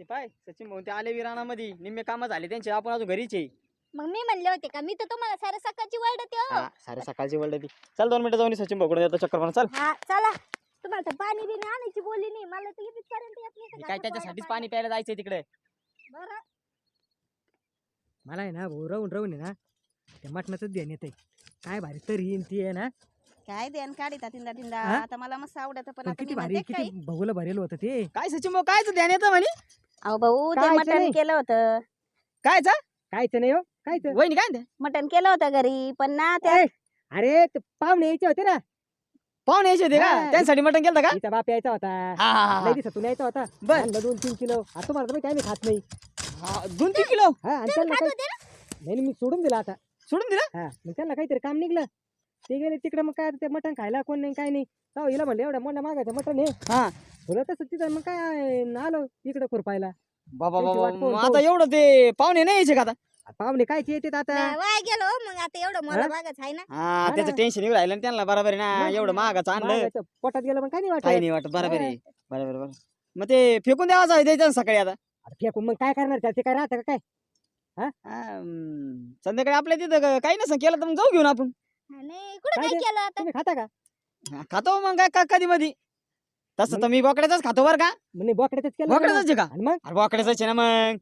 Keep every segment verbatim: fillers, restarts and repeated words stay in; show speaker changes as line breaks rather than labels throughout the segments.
ते पाय सचिन भाऊ ते आले विराणामध्ये निम्मे काम झाले त्यांचे, आपण अजून घरीच आहे.
मग मी म्हणले होते का, मी तर तुम्हाला सारे सकाळची वर्डते हो.
हा सारे सकाळची वर्ल्ड ती. चल दोन मिनिटं जाऊन सचिन भाऊ देतो चक्कर मारून. चल
हा चला. तुम्हाला तर पाणी बिणी आणायची बोलली नाही, मला तर इथेच पर्यंत येत नाही
काय त्याच्यासाठीच पाणी प्यायला जायचंय तिकडे.
बरं.
मला आहे ना भाऊ राहून राहून आहे ना त्या मटणाच ध्यान येते. काय भारी तरी येईन ती आहे ना.
काय देन काढिता तिंदा तिंदा
हा?
आता मला मस्त आवडत पण
पण
आता
किती
मी
भारी
म्हणते
किती
काय
भाऊला भरेल होतं ते.
काय सचिन भाऊ कायच ध्यान येतं म्हणे.
अहो भाऊ ते
कायचं
मटण
नाही.
केलं होतं
कायच
कायच नाही हो कायच.
वहिनी काय म्हणते?
मटण केलं होतं घरी पण ना त्या
ए, अरे ते पाहुणे यायचे होते ना.
पाहुणे यायचे होते का,
हा.
त्यांसाठी मटण केलं का?
तिचा बाप यायचा होता.
हा हा हा
लई दिवसातून यायचा होता.
बर.
आणलं दोन तीन किलो. आता तुम्हाला तर माहिती आहे आम्ही खात नाही.
हा, दोन तीन किलो
हा आणि
तुम्ही
त्यांना
खात
काही
होते ना?
नाही नाही, मी सोडून दिला आता.
सोडून दिलं.
हा मग त्यांना काहीतरी काम निघलं. ते गेले तिकडे, मग काय ते मटण खायला कोण नाही काय नाही. जाऊ हिला म्हणलं एवढ्या मोठ्या मागायचं मटण हे.
हा
तुला तसं तिथं मग काय आलो इकडे खुरपायला.
बाबा
त्यांची
बाबा
वाट पाहून
मग आता एवढं ते पाहुणे नाही यायचे का आता?
पाहुणे कायचे येतात आता.
नाही, वाया गेलो हो, मग आता एवढं मला
हा?
मागच आहे ना.
हा
हा
त्याचं
ना.
टेन्शन येऊ राहिलं ना त्यांना. बरोबर आहे ना,
मग
एवढं महागाचं आणलं
मागायचं पोटात गेलं मग काय नाही वाटत.
काही नाही वाटत. बरोबर आहे बरोबर बरोबर. मग ते फेकून द्यावाचं आहे द्यायचं ना सकाळी आता.
आता फेकून मग काय करणार त्याचे काय राहतं का काय.
हा, हम्म, संध्याकाळी आपल्या तिथं क- काही नसं केलं तर मग जाऊ घेऊन आपण.
हा, नाही कुठं
काय
काय
ते?
केलं आता.
तुम्ही खाता का.
हा, खातो मग काय का कधी मधी. तसं तर मी बोकड्याचाच खातो बरं का.
म्हणजे बोकड्याच केलं
बोकड्याचाच आहे का?
आणि मग
अरे बोकड्याचाच आहे ना मग.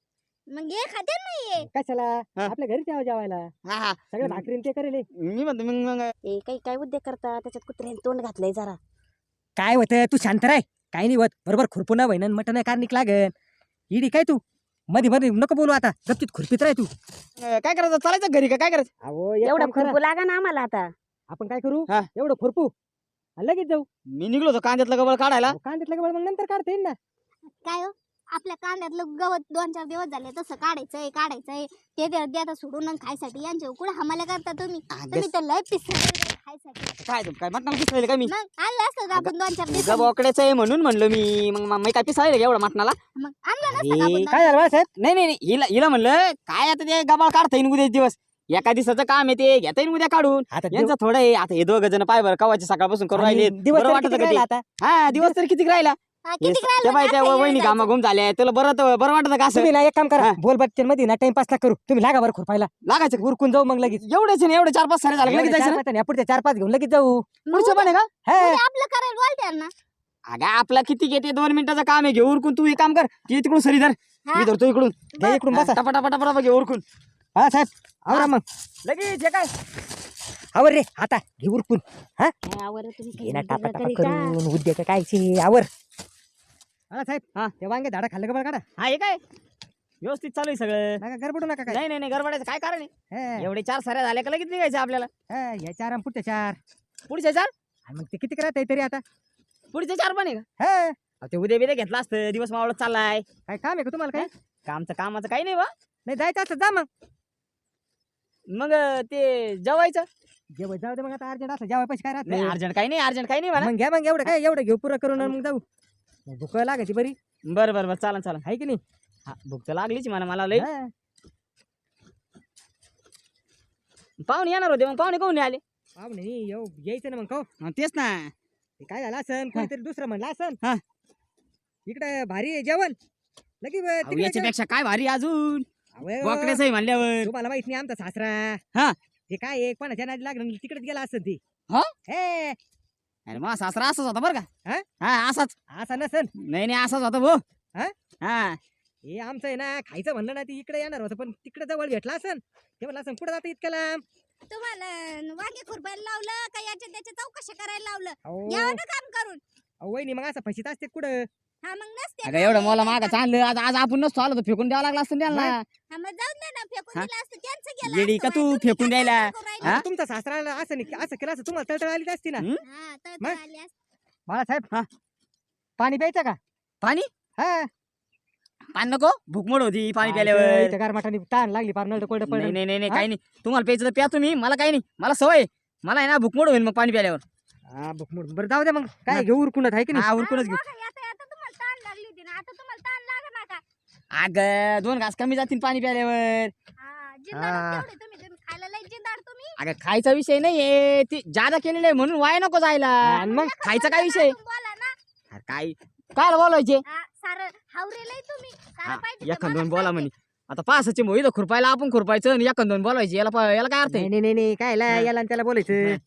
मग हे खाते नाहीये.
कशाला
हा.
आपल्या घरी जेवा जेवायला
हा हा
सगळं भाकरीन ते करेल.
मी म्हणतो मग मग
ए, काही काय उद्योग करता त्याच्यात कुत्र्याने तोंड घातलंय जरा
काय होतं तू शांत राय. काही नाही होत बरोबर खुरपून वहिनं मटण कार्निक लागन. इडी काय तू मध्ये मध्ये नको बोलू आता. गप्तीत खुरपीत राय तू.
अं, काय करायचं चालायचं घरी का काय करायचं?
अहो एक
एवढं
काम करा.
खुरपू लागा ना आम्हाला आता.
आपण काय करू
हा.
एवढं खुरपू आणि लगेच जाऊ.
मी निघलो होतो कांद्यातलं गबळ काढायला.
अहो, कांद्यातलं गबळ मग नंतर काढता येईल ना.
काय हो, आपल्या कांद्यातलं गवत दोन चार दिवस झाले तसं काढायचंय काढायचंय ते ते द्या सोडून आणि खायसाठी यांच्या कुठं हमाला करता तुम्ही. तुम्ही तर लय पिस खायसाठी.
काय तू काय मटणाला पिसायला का मी?
मग आणलं असतं का आपण दोन चार दिवस.
बोकड्याचं आहे म्हणून म्हणलो मी. मग मग मी काय पिसायला एवढं मटणाला?
मग आणलं नसतं का
अरे,
आपण
काय झालं बा साहेब.
नाही नाही नाही, हिला हिला म्हणलं काय आता ते गबाळ काढता येईन उद्या दिवस. एका दिवसाचं काम आहे ते घेता येईन उद्या काढून.
आता
यांचं थोडं आहे आता. हे दोघं जण पाय बरं कवाचे सकाळपासून करून राहिले.
दिवस
बरं
तरी
वाटतं
किती
का ते?
राहिला आता.
हा दिवस तर किती राहिला.
हा,
हे
किती
स-
राहिलं
त्या
म्हणजे
बाईच्या
आता
वहिनी
येऊन
घामा घुम झाल्या तुला बरं तर- बरं वाटतं का असं?
तुम्ही ना एक काम करा
हा.
बोल बच्चन मध्ये ना टाइमपास ना करू. तुम्ही लागा बरं खुरपायला.
लागायचं
उरकून जाऊ मग लगेच.
एवढेच आहे ना, एवढे चार पाच सारे झाले लगेच
एवढे
जायचं
चार
ना?
पाच आणि पुढच्या चार पाच घेऊन लगेच जाऊ.
मग
पुढचं पण आहे का?
हा.
उद्या आपलं करायला बोलते ना.
अगं आपला किती घेते दोन मिनिटाचं काम आहे. घे उरकून तू एक काम कर की तिकडून सरी धर.
हा.
मी धरतो इकडून.
घ्या इकडून बसा.
टपा टपा टपा टपा घे उरकून
हा साहेब आवरा मग.
लगेच हे काय
आवर रे आता घे उरकून. हा
आवर तुम्ही
घे ना
काही
टापा
उद्योग
टापा
करीता.
करून उद्या कायचे आवर. हा साहेब
हा.
ते वांगे झाडा खाल्लं का बरं काढा.
हा हे काय व्यवस्थित चालू आहे सगळं.
नका गडबडू नका काय.
नाही नाही नाही गडबडायचं काय कारण आहे?
हा.
एवढे चार साऱ्या झाल्या का लगेच निघायचं आपल्याला.
हा, या चार आणि पुढच्या चार.
पुढचे चार
आणि मग ते किती करत आहे तरी आता.
पुढचे चार पण आहे का?
हा
अहो, ते उद्या बिद्या घेतला असतं. दिवस मावळत चाललाय.
काय काम आहे का तुम्हाला काय.
कामचं कामाचं काही नाही बा.
नाही जायचं असं जा मग.
मग अं, ते जेवायचं
जेव्हा जाऊ दे मग आता अर्जंट असं जेव्हा पैसे काय राहत
नाही
नाही.
अर्जंट काही नाही अर्जंट काही नाही म्हणा.
मग घ्या मग एवढं काय एवढं घेऊ पुरं करून आणि मग जाऊ. भूक लागायची बरी
बरं बरं बरं चालन चालन.
आहे की नाही.
हा भूक तर लागलीच मला मला लई.
हा.
पाहुणे येणार होते मग पाहुणे कोण नाही आले?
पाहुणे नाही, येऊ यायचं ना मग खाऊ.
हा, तेच ना.
ते काय झालं असन कोणीतरी दुसरं म्हणलं असन.
हा.
इकडे भारी आहे जेवण लगी ब-
अहो,
तिकडे जेवण.
याच्यापेक्षा काय भारी अजून
अहो, अहो,
बोकड्याचं आहे म्हणल्यावर.
तुम्हाला माहित नाही आमचा सासरा.
हा.
ते काय आहे कोणाच्या नादी लागलं तिकडेच गेला असं ती.
हा?
हे
अरे मग सासरा असाच होता बरं का.
हा?
हा असाच.
असा नसन.
नाही नाही असाच होता भाऊ.
हा?
हा
हे आमचं आहे ना खायचं म्हणलं ना ती इकडे येणार होतं पण तिकडे जवळ भेटला असन. ते म्हणलं असं कुठं जातं इतक्या लांब.
तुम्हाला वांगे खुरपायला लावलं का याच्या त्याच्या चौकशा करायला लावलं.
अहो
यावं ना काम करून.
अहो, वहिनी मग असं फशीत असते कुठं.
हा मग नसते
अगं
ना,
एवढं
हे
मला
काय
मागं
काम.
चाललं आज आज आपण नसतो आलो तर फेकून द्यावं लागलं असतं त्यांना.
हा, मग जाऊन दे ना फेकून
हा?
दिलं असतं त्यांचं गेलं
येडी
असतं
का तू
बाई, तुम्ही
फेकून
काय
द्यायला?
करून राहिले?
हा?
आता तुमचा सासरा असं नाही असं केलं असं तुम्हाला तळतळ आली असती ना.
हम्म?
हा, तर
मग?
तर आले असते.
बाळासाहेब
हा.
पाणी प्यायचं का.
पाणी
हा
पाणी नको भूकमोड होती पाणी
इथं
प्यायल्यावर.
गारमाटाने ताण लागली पार नळ कोरडं
नाही
पडलं.
नाही नाही नाही,
हा?
काही नाही तुम्हाला प्यायचं तर प्या तुम्ही. मला काही नाही मला सवय आहे. मला आहे ना भूकमोड होईल मग पाणी प्यायल्यावर.
हा भुकमुड बरं जाऊ दे मग
हा.
काय घेऊ उरकूनच आहे की नाही.
हा उरकूनच घेऊ.
हा, बघा, आता आता तुम्हाला ताण लागली होती ना आता तुम्हाला ताण लागा नका.
अगं दोन घास कमी जातील पाणी प्यायल्यावर.
हा, जिंदाड
हा.
तेवढे तुम्ही तुम्ही खायला लय जिंदाड तुम्ही.
अगं खायचा विषय नाहीये ती जादा केलेलं आहे म्हणून वाया नको जायला.
आणि मग
खायचा काय विषय?
बोला ना.
अरे काय काय बोलायचे.
हा, सारं हावरेलाय तुम्ही सारं
हा,
पाहिजे ते
एखाद
मलाच
दोन बोला
पाहिजे.
म्हणे आता पासाचे मोहित खुरपायला आपण खुरपायचं आणि एखाद दोन बोलायचे याला पा- याला काय अर्थ आहे
नाही नाही नाही नाही काय ला-
हा.
याला आणि त्याला बोलायचं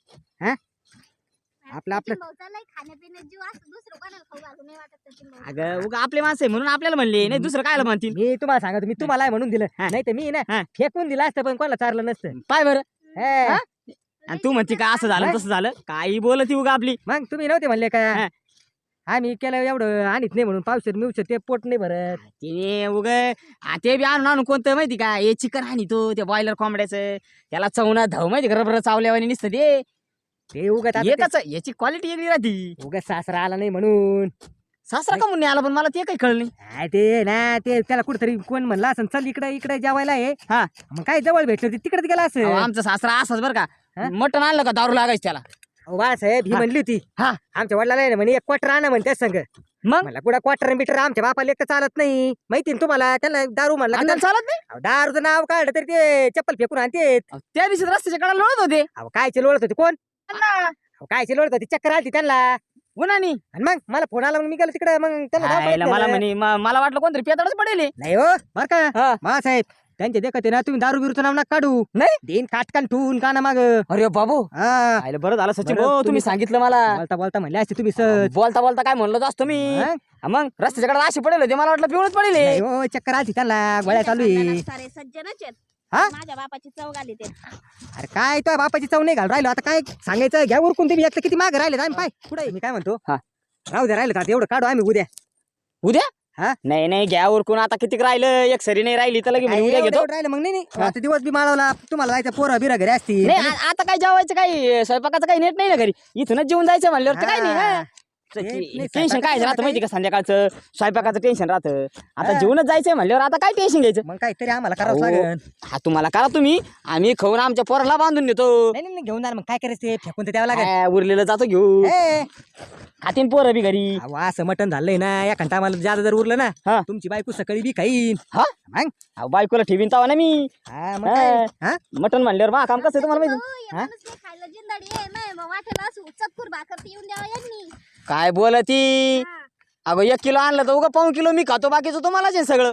आपलं- आपलं-
सचिन भाऊचा लय खाण्यापिण्यात जीव असतो दुसरं कोणाला खाऊ घालू नाही वाटत सचिन भाऊ
अगं उगा आपले माणसं आहे म्हणून आपल्याला म्हणले नाही दुसरं कायला म्हणतील
मी तुम्हाला सांगतो मी तुम्हाला आहे म्हणून दिलं
हा.
नाही तर मी ना
हा.
फेकून दिलं असतं पण कोणाला चारलं नसतं
पाय बरं
हे,
हा? आणि तू म्हणते का असं झालं
नाही.
तसं झालं काही बोलती उगा आपली
मग तुम्ही नव्हते म्हणले का
हा.
आम्ही केलं एवढं आणत नाही म्हणून पावसात मिवशत ते पोट नाही भरत
ते उग ते बी आणून आणून कोणतं माहिती का हे चिकन आणि तो ते बॉयलर कोंबड्याचं त्याला चवना धाव माहिती का रबर चावल्यावानी नुसतं ते
ते उगत
एकच याची क्वालिटी वेगळी राहती
उगत सासरा आला नाही म्हणून
सासरा का म्हणून आला पण मला ते काही कळलं नाही
काय ते ना ते त्याला कुठेतरी कोण म्हणलं असं चल इकडे इकडे जेवायला आहे
हा.
मग काय जवळ भेटलं तिकडेच गेला
अहो,
असं
आमचा सासरा असाच बरं का
हा?
मटण आणलं का दारू लागायचं त्याला
अहो, बाळासाहेब ही
हा.
म्हणली होती
हा.
आमच्या वडिलाला आहे ना म्हणे एक क्वार्टर आणा म्हणते संग
मग
मला कुठं क्वार्टर बिटर आमच्या बापाला एक तर चालत नाही माहिती ना तुम्हाला त्याला दारू म्हणला की
अण्णाला चालत नाही
अहो, दारूचं नाव काढलं तरी ते चप्पल फेकून आणते
अहो, त्या दिवशी रस्त्याच्या कडाला लोळत होते
अहो काय ओळखत होते कोण
अण्णा
अहो काय ओळखत होती चक्कर आली त्यांना
उन्हानी
आणि मग मला फोन आला मग मी गेलो तिकडे मग त्यांना धावपळीत
आयला मला
नेलं.
म्हणे म- मला वाटलं कोणतरी पेताडच पडेल हे.
नाही हो बर का
हा.
बाळासाहेब त्यांच्या देखत आहे ना तुम्ही दारू बिरूचं नाव नका काढू
नाही?
देईन काटकान ठेवून का ना माग
अरे बाबू
हा
आयला बरं झालं सचिन
बरं,
भाऊ
तुम्ही
तुम्ही सांगितलं मला
बोलता बोलता म्हणले असते तुम्ही सहज
बोलता बोलता काय म्हणलो असतो मी
हा?
हा मग रस्त्याच्या कडाला अशी पडेल होते मला वाटलं पिवळच पडेल हे.
नाही हो चक्कर आली त्यांना गोळ्या चालू आहे
सारे सज्जनच आहेत
हा?
माझ्या बापाची चव आली ते
अरे काय तो बापाची चव नाही घाल राहिलो आता काय सांगायचं घ्या उरकून तुम्ही एक तर किती माग राहिले आम्ही पाय कुठे मी काय म्हणतो
हा.
राहू द्या राहिलं आता एवढं काढू आम्ही उद्या
उद्या
हा?
नाही नाही घ्या उरकून आता किती राहिलं एक सरी नाही राहिली तर लगे
काय
म्हणे उद्या
एवढं-
घेतो
एवढं राहिलं मग नाही नाही
हा.
आता दिवस बी माळवला तुम्हाला जायचं पोरं बिरा घरी असतील
नाही आ- आता काय जेवायचं काही स्वयंपाकाचं काही नेट नाही ना घरी इथूनच जेवून जायचं म्हणल्यावर तर काय नाही
हा.
हा.
नाही,
टेन्शन
स्वयंपाकाचं
काय राहतं
काही-
माहिती का संध्याकाळचं स्वयंपाकाचं टेन्शन राहतं आता
हा.
जेवणच जायचंय म्हणल्यावर आता काय टेन्शन घ्यायचं
मग काहीतरी आम्हाला करावं
अहो.
लागेल
हा तुम्हाला करा तुम्ही आम्ही खाऊन आमच्या पोराला बांधून देतो
नाही नाही नाही, घेऊन जा ना, मग काय करायचं ते फेकून तर द्यावं लागेल
काय, उरलेलं जातो घेऊ
ए,
खातीन पोरं बी घरी
अहो, असं मटण झालंय ना या घंटा आम्हाला जादा जर उरलं ना
हा.
तुमची बायको सकाळी बी खाईन
हा
मग
अहो, बायकोला ठेवीन तावा ना मी
हा, मग काय? हा?
मटन म्हणल्यावर बा काम कसं आहे तुम्हाला माहिती
भाऊ, या माणूस नाही खायला जिंदाडी आहे नाही मग वाटेला असं चतकुर भाकर पिऊन द्यावा यांनी
काय बोलती
हा.
अगं एक किलो आणलं तर उगा पाऊन किलो मी खातो बाकीचं तुम्हालाच आहे सगळं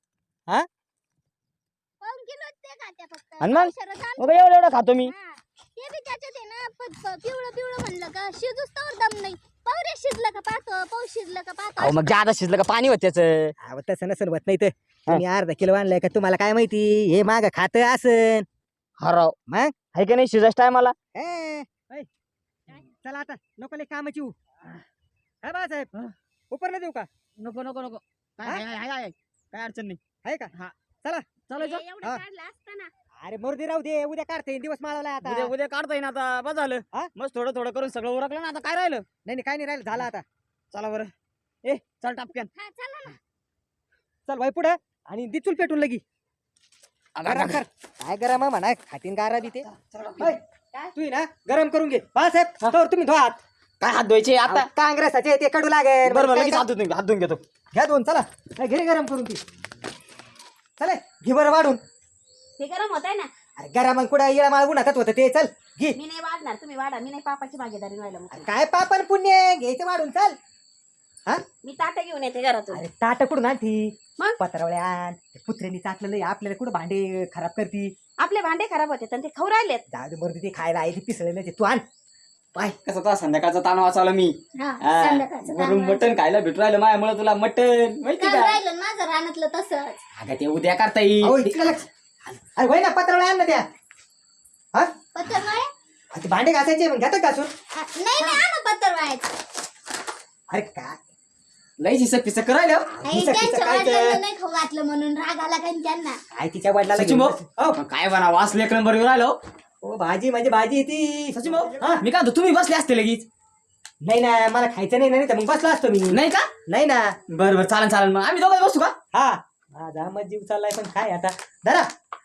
पाऊण किलो ते खात्या फक्त
आणि मग?
पावशेरच आणतो.
उगा एवढं एवढं खातो मी
हा. ते बी त्याच्यात आहे ना प- प- पिवळं पिवळं म्हणलं का शिजूच तर दम नाही पावरे शिजलं का पाहतो पाऊस शिजलं का पाहतो
अहो मग जादा शिजलं का पाणी होत त्याचं
अहो, तसं नसेल होत नाही तर तुम्ही अर्धा किलो आणलाय का तुम्हाला काय माहिती हे माग खात असन
हराव
मग
आहे का नाही शिजायचं टायमाला
ए, ऐ, चला आता लोकांना कामाची येऊ काय बाळासाहेब
हा.
उपर देऊ का
नको नको नको काय
हा?
आहे, आहे, आहे, आहे. काय अडचण नाही
आहे का
हा.
चला
चालायचं
हे एवढं
हा.
काढलं असतं ना
अरे मोरदी राहू दे उद्या काढते दिवस माळवला आता
उद्या उद्या काढता येईन आता बस झालं
हा?
मस्त थोडं थोडं करून सगळं उरकलं ना आता काय राहिलं
नाही नाही काय नाही राहिलं झालं आता
चला बरं ए चल टापक्यान
हा चला ना
चल भाई पुढं आणि दिचूल पेटून लगी गरम कर काय गरम आहे म्हणा खातीन गारा बी ते ऐ, तू ही ना गरम करून घे बाळासाहेब तर तुम्ही धुवा हात
काय हात धुवायचे आता
आता काँग्रेसाचे ते कडू लागेल
बरोबर
काय
लगेच हात धुवून हात धुवून घेतो
घ्या दोन चला काय घे रे गरम करून ती चले घे बरं वाढून
ते गरम होत आहे ना
अरे गरम मग कुठं येळा माळ उन्हात होतं ते चल घे
मी नाही वाढणार तुम्ही वाढा मी नाही पापाची भागीदारी व्हायला मग
अरे काय पापन पुण्य घ्यायचं वाढून चल हा
मी ताटं घेऊन येते घरातून
अरे ताट कुठून आणती
मग?
पत्रावळ्या आण कुत्र्यांनी चाटलेलं आहे, आपल्याला कुठं भांडे खराब करती
आपले भांडे खराब होते आणि ते खाऊ राहिलेत
जाऊ दे मर्दी ते खायला आहे ते पिसळलेलं आहे, तू आण
पाय कसं तो संध्याकाळचा ताण वाचवला मी
हा
हा,
संध्याकाळचं
वरून
काम
मटण खायला भेटू राहिलं माझ्यामुळे तुला मटण माहिती
काल
का
राहिलं ना माझं रानातलं तसंच
अगं ते उद्या करता
अहो,
येईल
इतकं लक्ष अरे होय ना पत्रावळ्या आण ना त्या हा
पत्तर नाही
ते भांडे घासायचे मग घेतात घासून
नाही नाही आणा पत्तर व्हायचं
अरे काय
लई हिसक पिसक करायला
हिचं- हिचं
त्यांच्या
काय ते?
वडिलांना नाही खाऊ घातलं म्हणून राग आला काय त्यांना
काय तिच्या वडिलाला
सचिन
घेऊन
भाऊ
बस- हो
मग काय बना वास लेकर नंबर येऊ राहिलो
ओ भाजी म्हणजे भाजी ती
सचिन भाऊ मी काय म्हणतो, तुम्ही बसले असते लगेच
नाही ना मला खायचं नाही नाही तर मग बसला असतो मी
नाही का
नाही ना
बरं बरं चालेल चालेल मग आम्ही दोघं बसू का
हा माझा मग जीव चाललाय पण काय आता धरा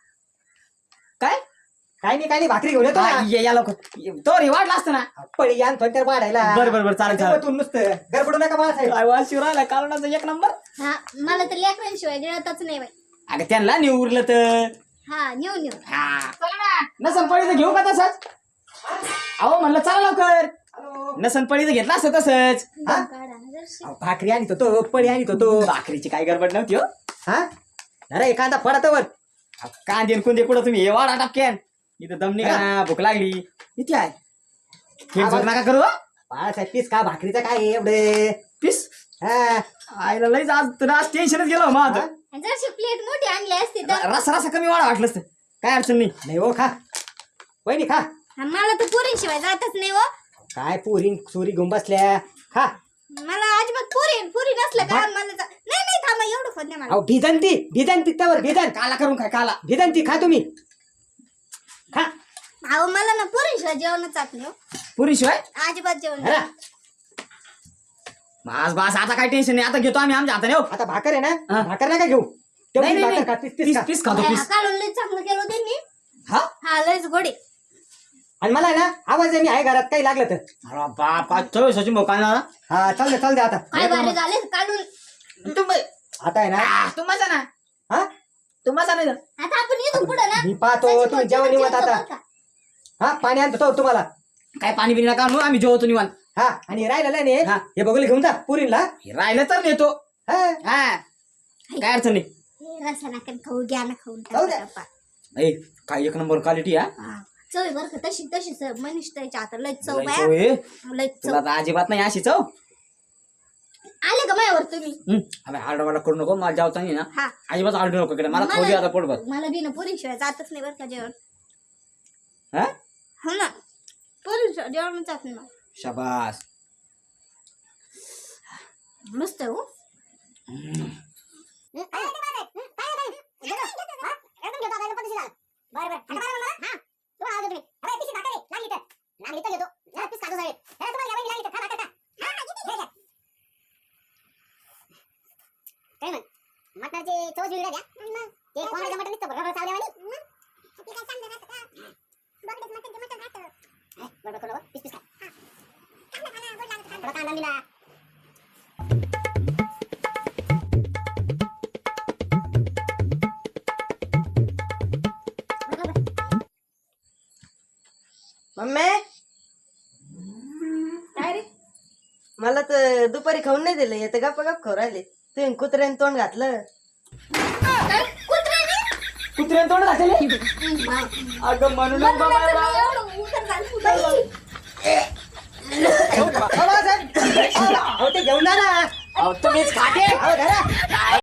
काय
काय नाही काय नाही भाकरी घेऊन येतो
हा,
ना.
ये- या लवकर तो रे वाढला असतं ना
पळी आण थोडक्यात वाढायला
बरं बरं बरं चालेल चालेल
तू नुसतं गडबडू नका मला साहेब
काय वास शिव राहिला कालवणाचा एक नंबर
हा मला तर लेकरांशिवाय गिळतच नाही बाई
अगं त्यांना नाही उरलं तर
हा नेऊ नेऊ
हा नसन पडी तर घेऊ का तसंच अहो म्हणलं चला लवकर नसन पळीचं घेतला असं तसंच
हा?
काढा ना जराशी.
अहो, भाकरी आणतो तो पळी आणतो तो
भाकरीची काय गडबड नव्हती हो
हा अरे एखादा फडातवर
अहो, कांदे न कुंदे कुठं तुम्ही हे वाढा टापक्यान इथं दमनी का भूक लागली किती आहे खेळ जोड नका करू हो.
बाळासाहेब पीस का भाकरीचं काय आहे एवढे
पीस
हा
आईला लईच आज तर आज टेन्शनच गेलो मग
हा?
जराशी प्लेट मोठी आणली असती तर
रसा रसा कमी वाढा वाटलं असतं काय अडचण नाही
नाही हो खा वहिनी खा
हा, मला तर पुरी शिवाय जातच नाही हो
काय पुरी सुरी घेऊन बसल्या खा
मला अजिबात पुरी पुरी नसलं का मला जा- नाही नाही थांबा एवढं खोद नाही मला
अहो भिजंती भिजंती त्यावर भिजन
काला करून काय काला
भिजंती खा तुम्ही खा
अहो मला ना पुरी शिवाय जेवणच जात नाही हो.
पुरी शिवाय
अजिबात जेवण
हा
बस बस आता काय टेन्शन नाही आता घेतो आम्ही आमच्या हाताने हो
आता भाकर आहे
हा.
ना भाकर नका घेऊ
नाही
तेवढी
नाही
भाकर खा,
नाही.
पीस- पीस
पीस
खा.
पीस खातो पीस
काढून लय चांगलं केलं त्यांनी
हा
हा लयच गोडे
आणि मला आहे ना आवाज आहे मी आहे घरात काही लागलं तर
अरे बाप काय चव सचिन भाऊ काय ना
हा चाल दे चाल दे आता
काय भारी झाले काढून
तुम्ही
आता आहे ना
तुम्हाला ना
हा
तुम्हाला नाही
आता आपण येतो पुढे ना
मी पाहतो तुम्ही जेवण निवत आता
बरं का?
हा पाणी आणतो तो तुम्हाला
काय पाणी बिणी नका आणू आम्ही जेवतो निवांत
हा आणि राहिलेलं नाही
हा.
हे बघून घेऊन जा पुरीला
हे राहिलं तर नेतो
हा
हा काय अडचण नाही
हे रसा नाकन खाऊ घ्या ना खाऊन
खाऊ द्या.
टाका.
ए, काय एक नंबर क्वालिटी हा
हा. चव आहे बरं का तशी तशी चव मनीष त्याच्या आता लय चव
लय
बाया
चव आहे.
लय
तुला
चव
तर अजिबात नाही अशी चव
आले का माझ्यावर तुम्ही
हम्म. आम्ही आरडा वाडा करू नको मला जेवता नाही ना
हा
अजिबात आरडू नको इकडे मला
मला-
थोडी आता पोटभर
मला बी ना पुरी शिवाय जातच नाही बरं का जेवण
हा
हो ना पुरी शिवाय जेवण जात नाही मला.
शाबास
मस्त आहे, हो
मटणाची चव जुळली द्या ते कोणाचं मटण निघतं बरोबर चावल्यावानी बरोबर करू पीस पीस खा थोडा कांदा दिला
मम्मी
काय रे
मला तर दुपारी खाऊन नाही दिलं येतं गप्पा गप खाऊ राहिले तुम्ही कुत्र्याने तोंड घातलं
कुत्र्याने तोंड घातले अगं म्हणून
एवढं उतर झालं बाई.
अहो, बाळासाहेब, अहो, अहो, ते घेऊन जा ना
तुम्हीच खाते
अहो, धरा.